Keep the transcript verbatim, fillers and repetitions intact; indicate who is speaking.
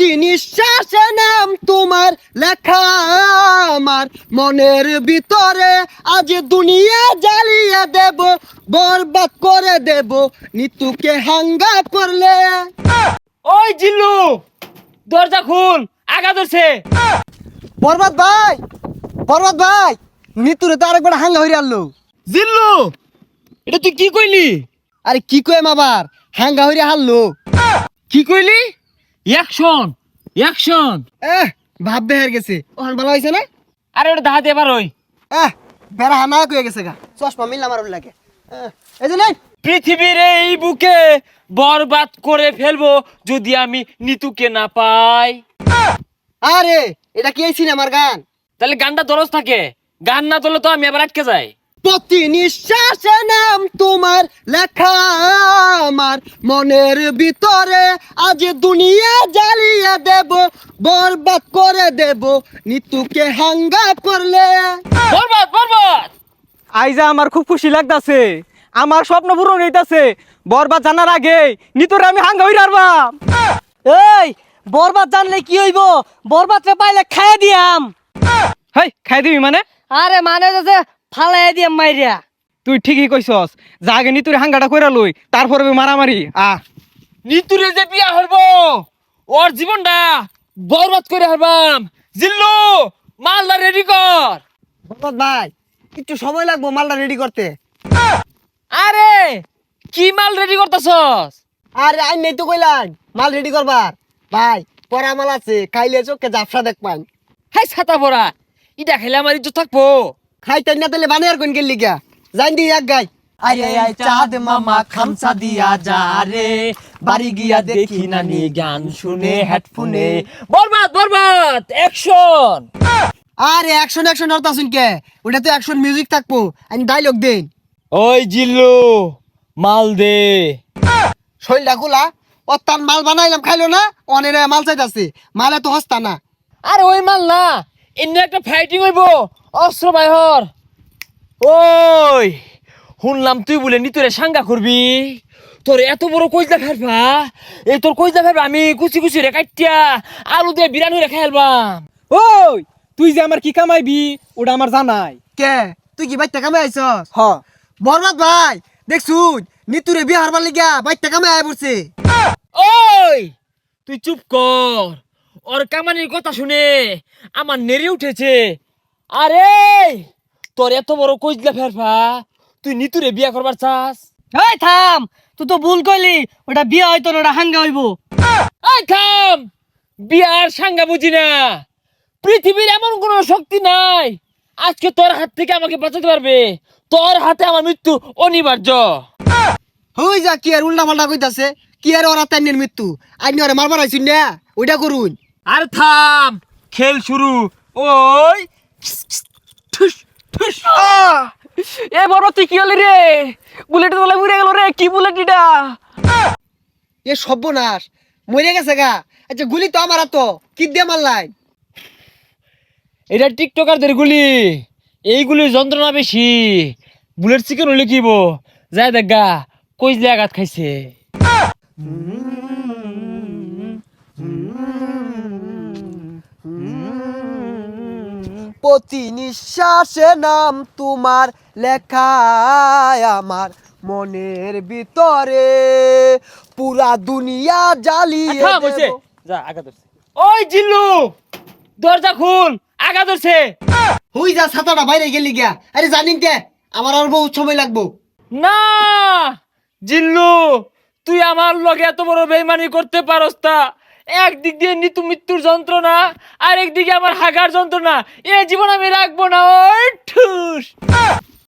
Speaker 1: প্রতি নিঃশ্বাসে নাম তোমার লেখা আমার মনের ভিতরে আজ দুনিয়া জ্বালিয়ে দেব, বরবাদ করে দেব নিতুকে হাঙ্গা করলে।
Speaker 2: ওই জিল্লু, দরজা খুল, আগা ধরছে।
Speaker 1: বরবাদ ভাই, বরবাদ ভাই, নিতুরে তো আরেকবার হাঙ্গা হইরে আনলো।
Speaker 2: জিল্লু, এটা তুই কি কইলি?
Speaker 1: আরে কি কইম আবার, হাঙ্গা হইরে হারলো।
Speaker 2: কি কইলি? Action, action.
Speaker 1: এহ ভাব বেহার গেছে, ওখান ভালো হয়েছে না?
Speaker 2: আরে ওটা দাহাতে এবার ওই
Speaker 1: এহ বেড়া হানা কয়ে গেছে গা, চশমা মিললাম আর লাগে। এহ, এই যে নেই
Speaker 2: পৃথিবীর এই বুকে বরবাদ করে ফেলবো যদি আমি নিতুকে না পাই।
Speaker 1: আরে এটা কি এই সিনেমার গান?
Speaker 2: তাহলে গানটা দরজ থাকে, গান না তোলে তো আমি আবার আটকে যাই।
Speaker 1: প্রতি নিঃশ্বাসে নাম তোমার লেখা আমার মনের ভিতরে আজ দুনিয়া জ্বালিয়ে দেব, বরবাদ করে দেব নিতুকে হাঙ্গা করলে।
Speaker 2: বরবাদ, বরবাদ।
Speaker 3: আইজা আমার খুব খুশি লাগতাছে, আমার স্বপ্ন পূরণ হইতাছে। বরবাদ জানার আগে নিতরে আমি হাঙ্গা হই রারবাম।
Speaker 4: এই বরবাদ জানলে কি হইব? বরবাদ রে পাইলে খাইয়া দিয়াম।
Speaker 3: হেই খাই দিবি মানে?
Speaker 4: আরে মানে যে ফালাই দিয়াম মাইরিয়া।
Speaker 3: তুই ঠিকই কইছস, যা আগে নিতুরে হাঙ্গাটা কইরা লই, তারপরে মারামারি। আ
Speaker 2: নিতুরে যে বিয়া হরবো, ওর জীবনটা বরবাদ করে হারবাম। জিল্লু, মালদা রেডি কর।
Speaker 1: বরবাদ ভাই একটু সময় লাগবো মালটা রেডি করতে।
Speaker 2: আরে কি মাল রেডি করতেছস?
Speaker 1: আরে আই নেই তো কইলাম মাল রেডি করবার। ভাই পরা মাল আছে, খাইলে চোখে জাফসা দেখ পান।
Speaker 2: হাই ছাতা পরা, ইটা খেলে আমার ইজ্জত থাকবো।
Speaker 1: খাইতেন না তাহলে বানিয়ার কোন গেলি গা, জান দি এক গাই।
Speaker 4: আরে আই চাঁদ মামা খামসা দিয়া যা রে, বাড়ি গিয়া দেখি নানি গান শুনে হেডফোনে।
Speaker 2: বরবাদ, বরবাদ, অ্যাকশন।
Speaker 1: আরে অ্যাকশন অ্যাকশন অর্থ আসুন কে, ওটা তো অ্যাকশন মিউজিক থাকবো, আমি ডাইলগ দেন।
Speaker 2: ওই জিল্লু, মাল দে।
Speaker 1: শৈলটা খোলা, ও তার মাল বানাইলাম খাইলো না, অনেরে মাল চাইতাছে, মালে তো হস্তা না।
Speaker 2: আরে ওই মাল না, এমনি একটা ফাইটিং হইব, অস্ত্র বাইহর। ওই শুনলাম তুই বলে নিতরে সাঙ্গা করবি, তোর এত বড় কইজা ফেলবা, এই তোর কইজা ফেলবা আমি কুচি কুচি রে কাটিয়া আলু দিয়ে বিরানি রে খাইলবাম।
Speaker 3: ওই তুই যে আমার কি কামাইবি ওটা আমার জানাই।
Speaker 1: কে তুই কি বাইতে কামে আইছস?
Speaker 3: হ
Speaker 1: বরবাদ ভাই দেখছুন নিতুরে বিয়ে হারবার লিগা বাইতে কামে আয় পড়ছে।
Speaker 2: ওই তুই চুপ কর, ওর কামানির কথা শুনে আমার নেড়ে উঠেছে। আরে তোর এত বড় কইজলা ফেরফা, তুই নিতুরে বিয়া করবার চাস?
Speaker 4: এই থাম, তুই তো ভুল কইলি, ওটা বিয়া হইতো না, ওটা হাঙ্গা হইব।
Speaker 2: এই থাম, বিয়ার সাঙ্গা বুঝি না। পৃথিবীর এমন কোন শক্তি নাই আজকে তোর হাত থেকে আমাকে বাঁচাতে পারবে। তোর হাতে আমার মৃত্যু অনিবার্য।
Speaker 1: হই যা কি আর উল্টা পাল্টা কইতাছে, কি আর ওরা তাইনের মৃত্যু আইনি ওরে মারবার আইছুন না, ওইটা করুন।
Speaker 2: আর থাম, খেল শুরু। ওই ঠুস ঠুস।
Speaker 3: এ বড় তুই কি হলি রে? বুলেট তোলা উড়ে গেল রে, কি বুলেট এটা?
Speaker 1: এ সর্বনাশ, মরে গেছে গা। আচ্ছা গুলি তো আমার তো কি দিয়ে মারলাই?
Speaker 2: এটা টিকটকারদের গুলি, এইগুলির যন্ত্রণা বেশি। বুলেট চিকেন হলে কিব যায় দেখ গা, কইজলে আঘাত খাইছে।
Speaker 1: প্রতি নিঃশ্বাসে নাম তোমার লেখা আমার মনের ভিতরে, পুরা দুনিয়া জ্বালিয়ে
Speaker 2: থাম, হইছে।
Speaker 1: দেব।
Speaker 2: যা আগা ধরছে। ওই জিল্লু, দরজা খুল, আগা ধরছে।
Speaker 1: হই যা ছাতাটা বাইরে গেলি গিয়া। আরে জানিন কে আমার আর বহুত সময় লাগবো।
Speaker 2: না জিল্লু, তুই আমার লগে এত বড় বেইমানি করতে পারস তা? একদিক দিয়ে নিতু মৃত্যুর যন্ত্রণা, আর একদিকে আমার হাগার যন্ত্রণা, এ জীবন আমি রাখবো না। ওই ঠুস।